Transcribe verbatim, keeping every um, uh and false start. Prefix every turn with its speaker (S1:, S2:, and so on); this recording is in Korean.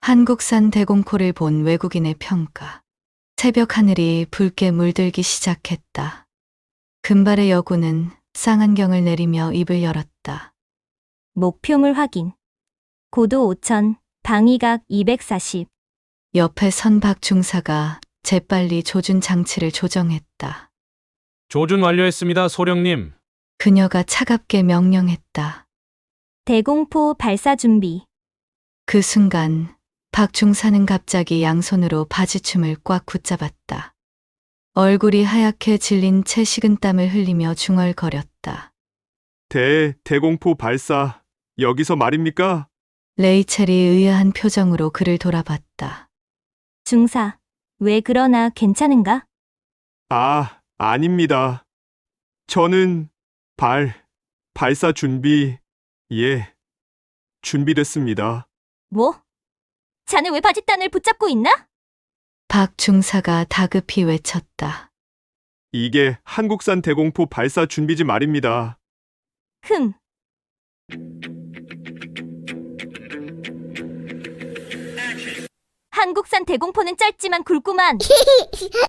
S1: 한국산 대공포를 본 외국인의 평가. 새벽 하늘이 붉게 물들기 시작했다. 금발의 여군은 쌍안경을 내리며 입을 열었다.
S2: 목표물 확인. 고도 오천, 방위각 이백사십.
S1: 옆에 선 박 중사가 재빨리 조준 장치를 조정했다.
S3: 조준 완료했습니다, 소령님.
S1: 그녀가 차갑게 명령했다.
S2: 대공포 발사 준비.
S1: 그 순간 박 중사는 갑자기 양손으로 바지춤을 꽉 붙잡았다. 얼굴이 하얗게 질린 채 식은땀을 흘리며 중얼거렸다.
S4: 대, 대공포 발사, 여기서 말입니까?
S1: 레이첼이 의아한 표정으로 그를 돌아봤다.
S2: 중사, 왜 그러나 괜찮은가?
S4: 아, 아닙니다. 저는 발, 발사 준비, 예, 준비됐습니다.
S2: 뭐? 자네 왜 바짓단을 붙잡고 있나?
S1: 박 중사가 다급히 외쳤다.
S4: 이게 한국산 대공포 발사 준비지 말입니다.
S2: 흠. 한국산 대공포는 짧지만 굵구만.